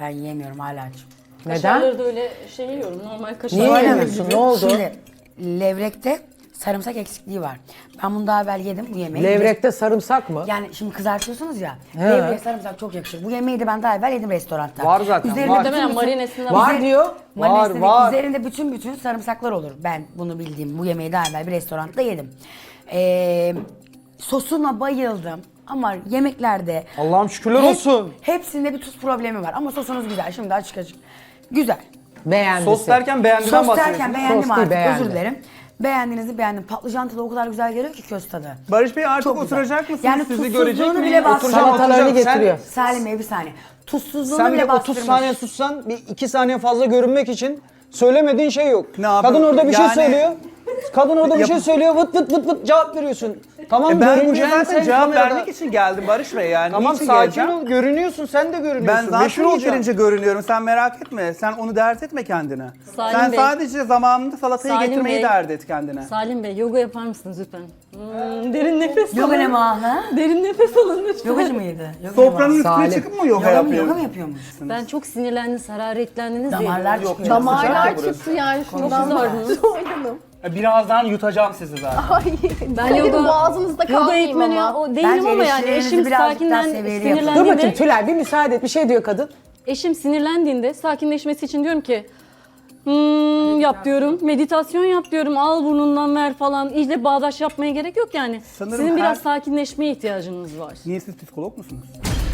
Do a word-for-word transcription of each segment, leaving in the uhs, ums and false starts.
Ben yiyemiyorum hala. Neden? Kaşarları da öyle şey yiyorum. Normal kaşar. Niye Öyle mi? yemiyorsun? Ne oldu? Şimdi levrekte sarımsak eksikliği var. Ben bunu daha evvel yedim bu yemeği. Levrekte sarımsak mı? Yani şimdi kızartıyorsunuz ya. He. Levreye sarımsak çok yakışır. Bu yemeği de ben daha evvel yedim restoranda. Var zaten, Üzerinde var. bütün Muhtemelen bütün- marinesinde Var Üzeri- diyor. Marinesinde Var, var. Üzerinde bütün bütün sarımsaklar olur. Ben bunu bildiğim bu yemeği daha evvel bir restoranda yedim. Ee, sosuna bayıldım. Ama yemeklerde... Allah'ım şükürler hep- olsun. Hepsinde bir tuz problemi var. Ama sosunuz güzel. Şimdi açık açık. Güzel. Beğendisi. Sos derken beğendiden Sos bahsediyorsun. derken beğendim Sos değil, artık. beğendi. Özür dilerim. Beğendiğinizi beğendim. Patlıcan tadı o kadar güzel geliyor ki köz tadı. Barış Bey artık Çok güzel. oturacak mısınız? Yani Sizi tuzsuzluğunu görecek miyim? bile bastırmış. Oturacağım, Salatalarını oturacağım. Sen- getiriyor. Salim Bey bir saniye. Tuzsuzluğunu Sen bir bile otuz bastırmış. saniye sussan, bir iki saniye fazla görünmek için söylemediğin şey yok. Ne yapayım? Kadın orada bir şey Yani- söylüyor. Kadın orada bir Yap- şey söylüyor, vıt vıt vıt vıt cevap veriyorsun. Tamam E ben buraya görüneceksin zaten sen cevap kamerada. vermek için geldim Barış Bey yani. Tamam Niçin sakin geleceğim? ol, görünüyorsun, sen de görünüyorsun. Ben zaten Meşhur olacaksın. yeterince görünüyorum. Sen merak etme. Sen onu dert etme kendine. Salim Sen Bey. sadece zamanında salatayı Salim getirmeyi Bey. dert et kendine. Salim Bey yoga yapar mısınız lütfen? Hmm, derin nefes Yoga ne alın. ha? Derin nefes alın lütfen. Yogacı mıydı? Yoga Sofranın üstüne Salim. çıkıp mı yoga, Yoga mı, yapıyor? yoga mı yapıyormuş? Ben çok sinirlendiniz, hararetlendiniz diye. Damarlar Yok, çıkıyor. Damarlar çıktı yani şundan Çok da. güzel. Oynanım. Birazdan yutacağım sizi zaten. Ay, Ben Kadir yoga, boğazınızda yoga kalmayayım eğitmeni ama. o değilim Bence ama yani eleştirilerinizi eşim birazcık daha sakinden seviyeli yapın. Dur bakayım sinirlendiğinde, Tülay bir müsaade et. Bir şey diyor kadın. eşim sinirlendiğinde sakinleşmesi için diyorum ki hmm, yap diyorum, meditasyon yap diyorum, al burnundan ver falan. İyice bağdaş yapmaya gerek yok yani. Sanırım Sizin biraz her- sakinleşmeye ihtiyacınız var. Niye siz psikolog musunuz?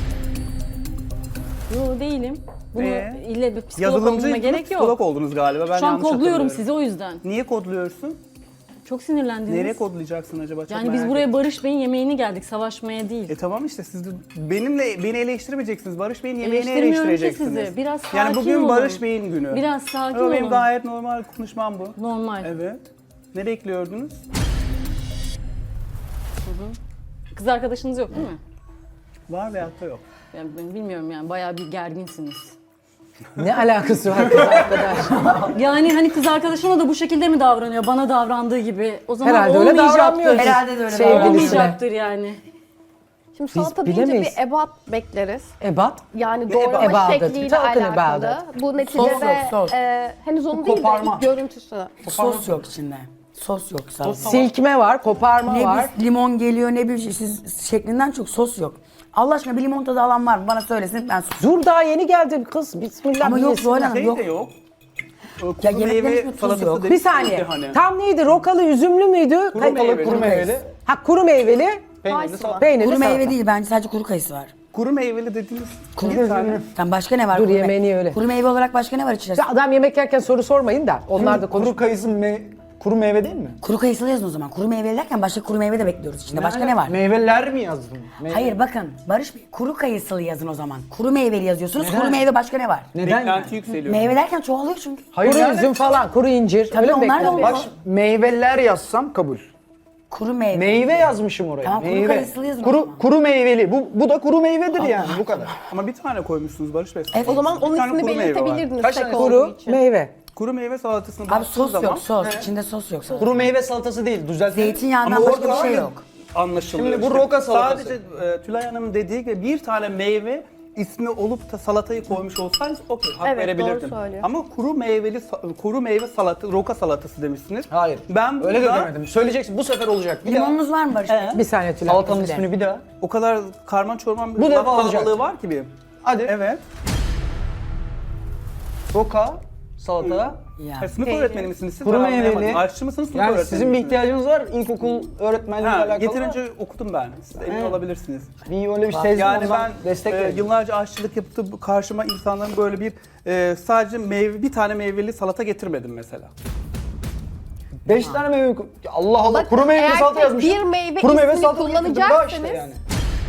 Yo değilim. Bunu Ee? ille bir psikolog Yazılımcı olmama gerek psikolog yok. oldunuz galiba. Ben Şu an yanlış kodluyorum hatırlıyorum. sizi o yüzden. Niye kodluyorsun? Çok sinirlendiniz. Nereye kodlayacaksın acaba? Çok Yani merak biz buraya ettim. Barış Bey'in yemeğini geldik, savaşmaya değil. E tamam işte siz de benimle beni eleştirmeyeceksiniz. Barış Bey'in yemeğini Eleştirmiyorum ki eleştireceksiniz. sizi. Biraz Yani sakin bugün olun. Barış Bey'in günü. Biraz sakin Ama benim olun. gayet normal konuşmam bu. Normal. Evet. Ne bekliyordunuz? Kız arkadaşınız yok değil mi? Var veyahut da yok. Yani ben bilmiyorum yani bayağı bir gerginsiniz. Ne alakası var kız arkadaş? Yani hani kız arkadaşına da bu şekilde mi davranıyor? Bana davrandığı gibi. O zaman Herhalde öyle olmayacaktır. davranmıyor. Herhalde de öyle Sevgilisine. davranıyor. Olmayacaktır yani. Şimdi salata deyince bilemeyiz. bir ebat bekleriz. Ebat. Yani doğrama ebadet? şekliyle Talking alakalı. about Bu neticede Sos yok, sos. e, henüz onu değil de Koparma. ilk görüntüsü. Sos yok içinde. Sos yok sadece. Silkme var, koparma Ne var. bir limon geliyor ne bir şey siz şeklinden çok sos yok. Allah aşkına bir limon tadı alan var mı? Bana söylesin ben sos. Dur daha yeni geldi kız. Bismillah. Ama bir yok yesin. Zuhal Hanım Şey yok. de yok. O Ya kuru yemeklerin meyve hiçbir tuzu salatası yok. dedik Bir saniye. ya hani. Tam neydi? Rokalı, üzümlü müydü? Kuru Kay- meyveli. Kuru meyveli. Ha kuru meyveli, Peynirli Kayısı salata. var. peynirli Kuru salata. meyve değil bence sadece kuru kayısı var. Kuru meyveli dediğiniz Kuru bir tane. Tamam başka ne var? Dur, Kuru me- yemeğini öyle. Kuru meyve olarak başka ne var içerisinde? Ya adam yemek yerken soru sormayın da onlar da konuş. Kuru kayısı me kuru meyve değil mi? Kuru kayısılı yazın o zaman. Kuru meyve derken başka kuru meyve de bekliyoruz içinde. Başka ne var? Meyveler mi yazdın? Meyve- Hayır bakın Barış Bey kuru kayısılı yazın o zaman. Kuru meyveli yazıyorsunuz. Neden? Kuru meyve başka ne var? Neden? Beklenti yükseliyor. Meyve derken çoğalıyor çünkü. Hayır Kuru yani- üzüm falan, kuru incir. Tabii Öyle mi onlar da bekliyorsun? olur. Bak meyveler yazsam kabul. Kuru meyve. Meyve yazmışım oraya. Tamam, kuru meyve. kayısılı yazın o Kuru, zaman. kuru meyveli. Bu, bu da kuru meyvedir yani bu kadar. Ama bir tane koymuşsunuz Barış Bey. Evet. O zaman Bir onun tane ismini kuru meyve var. belirtebilirdiniz Kaç tek tane? olduğu Kuru için. meyve. Kuru meyve salatasını Abi baktığınız sos zaman yok sos. İçinde sos yok. sadece. Kuru meyve salatası değil. Düzeltelim. Zeytinyağından Ama başka bir orada şey var. yok. anlaşılıyor. Şimdi bu işte. roka salatası. Sadece e, Tülay Hanım'ın dediği gibi bir tane meyve ismi olup da salatayı koymuş olsaydınız okey hak Evet, verebilirdim. doğru söylüyor. Ama kuru meyveli sa- kuru meyve salata roka salatası demişsiniz. Hayır. Ben Öyle de burada demedim. Söyleyeceksin. Bu sefer olacak. Bir daha. Limonunuz var mı Barış Bey? Bir saniye Tülay. Salatanın özür dilerim. ismini bir daha. o kadar karman çorman bir Bu laf defa olacak. kalabalığı var ki bir. Hadi. Evet. Roka salata. Ya. Ha, sınıf öğretmeni misiniz siz? Kuru Ben anlayamadım. meyveli. Aşçı mısınız? Sınıf Yani öğretmeni sizin bir misiniz? ihtiyacınız var ilkokul öğretmenliğiyle Ha, alakalı. yeterince okudum ben. Siz de emin Evet. olabilirsiniz. Bir öyle bir sezdim Yani ondan ben destek e, verdim. yıllarca aşçılık yapıp karşıma insanların böyle bir e, sadece meyve bir tane meyveli salata getirmedim mesela. Beş tane meyve. Allah Allah. Bakın, kuru meyveli eğer salata tek yazmışım. bir meyve kuru meyve ismini salata getirdim. Daha kullanacaksanız- işte yani.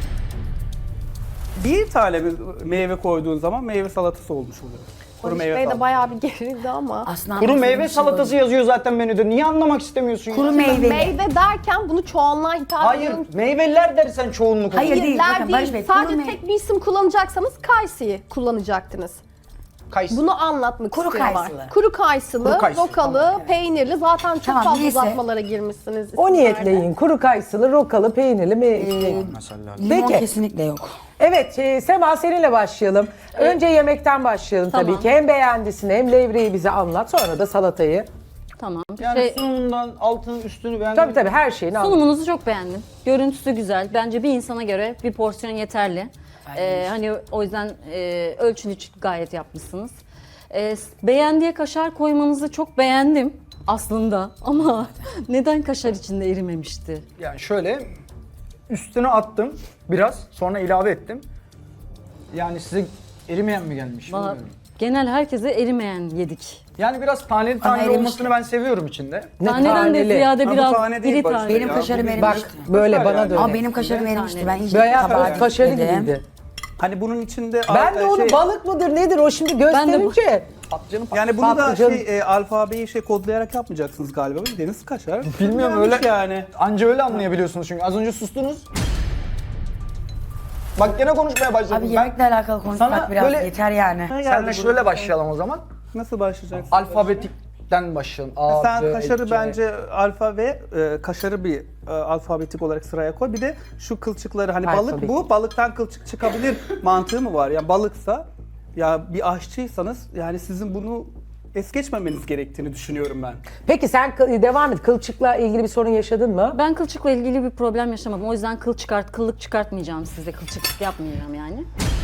Bir tane bir meyve koyduğun zaman meyve salatası olmuş oluyor. Kuru Barış meyve Bey de salatası. bayağı bir gerildi ama. Aslında Kuru anlatılmış meyve bir şey salatası yok. yazıyor zaten menüde. Niye anlamak istemiyorsun? ya? Kuru meyveli. Meyve derken bunu çoğunluğa hitap Hayır, ediyorum. meyveler dersen çoğunluk olur. Hayır. değil, Hayırlar bakın değil. Barış Bey, kuru Sadece mey- tek bir isim kullanacaksanız Kaysi'yi kullanacaktınız. Kayısı. Bunu anlatmak Kuru istiyorlar. kayısılı. Kuru kayısılı, Kuru kayısı, rokalı, peynirli. Zaten çok Tamam, fazla neyse. uzatmalara girmişsiniz. O isimlerde. niyetle yiyin. Kuru kayısılı, rokalı, peynirli mi? Mesela. Limon Peki. kesinlikle yok. Evet, e, Sema seninle başlayalım. Önce yemekten başlayalım Tamam. tabii ki. Hem beğendisini hem levreyi bize anlat. Sonra da salatayı. Tamam. Yani Şey, sunumundan altını üstünü beğendim. Tabii tabii her şeyini anlat. sunumunuzu çok beğendim. Görüntüsü güzel. Bence bir insana göre bir porsiyon yeterli. Ee, hani o yüzden e, ölçünü gayet yapmışsınız. Ee, beğendiğe kaşar koymanızı çok beğendim aslında ama neden kaşar içinde erimemişti? Yani şöyle üstüne attım biraz sonra ilave ettim. Yani size erimeyen mi gelmiş? Valla bilmiyorum. genel herkese erimeyen yedik. Yani biraz taneli taneli erimiş. olmasını ben seviyorum içinde. Ne Taneden de taneli. ziyade Ha, bu biraz tane değil iri bak. tane. Benim Ya, kaşarım bugün- Bak erimişti. böyle Güzel bana yani. dön. Ama benim kaşarım Bir erimişti. tane. Ben iyice Bayağı tabağa kaşarı dikmedim. gibiydi. Hani bunun içinde Ben de e, onu şey- balık mıdır nedir o şimdi Ben de bu- gösterince. Patlıcanı Yani bunu da Patlıcan- şey e, alfabeyi şey kodlayarak yapmayacaksınız galiba. Deniz kaşar. Bilmiyorum, Yanlış öyle- yani. Anca öyle anlayabiliyorsunuz çünkü az önce sustunuz. Bak gene konuşmaya başladım. Abi Ben- yemekle alakalı konuşmak Sana biraz böyle- yeter yani. Senle şöyle başlayalım o zaman. Nasıl başlayacaksın? Alfabetikten başlayalım. A, Sen B, kaşarı C. bence alfa ve e, kaşarı bir e, alfabetik olarak sıraya koy. Bir de şu kılçıkları hani balık Alfabetik. bu, balıktan kılçık çıkabilir mantığı mı var? Yani balıksa ya bir aşçıysanız yani sizin bunu es geçmemeniz gerektiğini düşünüyorum ben. Peki sen kı- devam et. Kılçıkla ilgili bir sorun yaşadın mı? Ben kılçıkla ilgili bir problem yaşamadım. O yüzden kıl çıkart, kıllık çıkartmayacağım size. Kılçık yapmayacağım yani.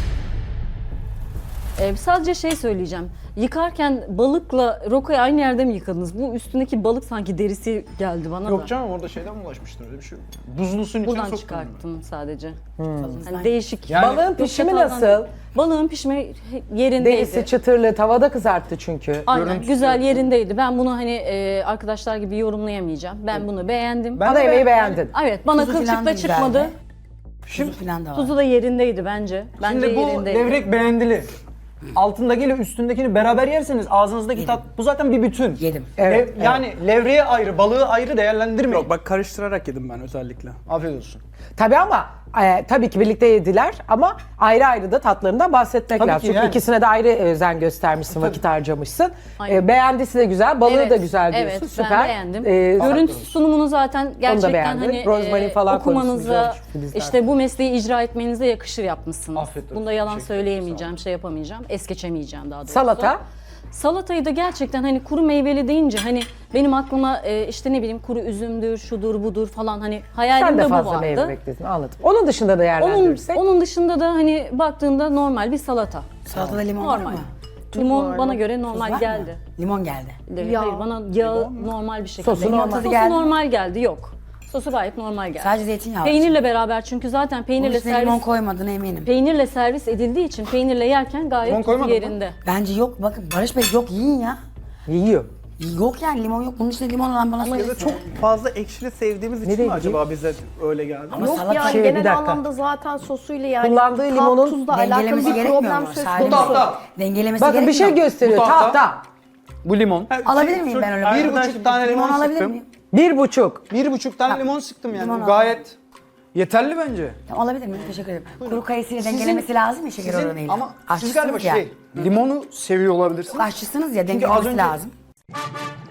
Ee, sadece şey söyleyeceğim. Yıkarken balıkla rokayı aynı yerde mi yıkadınız? Bu üstündeki balık sanki derisi geldi bana da. Yok canım orada şeyden mi ulaşmıştır öyle bir şey yok. Buzlu suyun içine Buradan soktum. çıkarttım sadece. Hmm. Hani değişik. Yani- Balığın Yok, pişimi çataldan nasıl? değil. Balığın pişimi yerindeydi. Derisi çıtırlı, tavada kızarttı çünkü. Aynen Görüntüsü güzel yok. yerindeydi. Ben bunu hani e, arkadaşlar gibi yorumlayamayacağım. Ben bunu beğendim. Ben Ana de yemeği beğendim. beğendin. Evet bana Tuzu falan da kılçıkla güzeldi. çıkmadı. Tuzu falan da var. Tuzu da yerindeydi bence. Bence Şimdi bu yerindeydi. levrek beğendili. Altındakiyle üstündekini beraber yerseniz ağzınızdaki tat bu zaten bir bütün. Yedim. Evet, Lev- Yani levreye ayrı, balığı ayrı değerlendirmeyin. Yok bak karıştırarak yedim ben özellikle. Afiyet olsun. Tabii ama e, tabii ki birlikte yediler ama ayrı ayrı da tatlarından bahsetmek Tabii lazım. ki Çünkü yani. ikisine de ayrı özen göstermişsin, vakit harcamışsın. Aynen. E, beğendisi de güzel, balığı Evet, da güzel diyorsun. evet, Süper. ben beğendim. E, Görüntüsü sunumunu zaten gerçekten beğendim. hani Rozmarin falan okumanıza, koymuşsunuz, çünkü bizler. işte bu mesleği icra etmenize yakışır yapmışsınız. Afiyet olsun, Bunda yalan teşekkür ederim, söyleyemeyeceğim, şey yapamayacağım, es geçemeyeceğim daha doğrusu. Salata? Salatayı da gerçekten hani kuru meyveli deyince hani benim aklıma e, işte ne bileyim kuru üzümdür, şudur budur falan hani sen hayalimde de bu fazla vardı. meyve bekledin, anladım. Onun dışında da Onun, değerlendirirsek. onun dışında da hani baktığında normal bir salata. Salatada limon var Normal. mı? Limon bana göre Tuz normal var mı? geldi. Limon geldi. Evet, Hayır bana yağı normal bir şekilde. Sosu normal. Sosu geldi. normal geldi yok. Sosu gayet normal geldi. Sadece zeytinyağı var. Peynirle beraber çünkü zaten Bunun peynirle üstüne limon servis koymadığına eminim. peynirle servis edildiği için peynirle yerken gayet Limon tuzu koymadın mı? yerinde. Bence yok bakın Barış Bey yok yiyin ya. Yiyor. Yok yani limon yok. Bunun içinde limon olan bana Ya da söylesin. çok fazla ekşili sevdiğimiz için Nereye mi acaba bize öyle geldi? Ama Yok salata yani Şey, bir genel dakika. anlamda zaten sosuyla yani Kullandığı tat, limonun tuzla alakalı dengelemesi bir gerekmiyor problem mu? söz Sadece konusu. tahta. dengelemesi Bakın bir gerekmiyor şey mu? gösteriyor, Bu tahta. tahta. Bu limon. Alabilir miyim ben öyle? Bir Arkadaş, buçuk tane limon, Limon alabilir sıktım. miyim? Bir buçuk. Bir buçuk tane limon sıktım yani. Limon Bu al. gayet yeterli bence. Tamam, alabilir miyim? Teşekkür ederim. Kuru kayısıyla dengelemesi lazım ya şeker Sizin- oranıyla. ama siz Aşçısınız galiba ya. şey, limonu seviyor olabilirsiniz. Aşçısınız ya Çünkü az dengelemesi önce- lazım.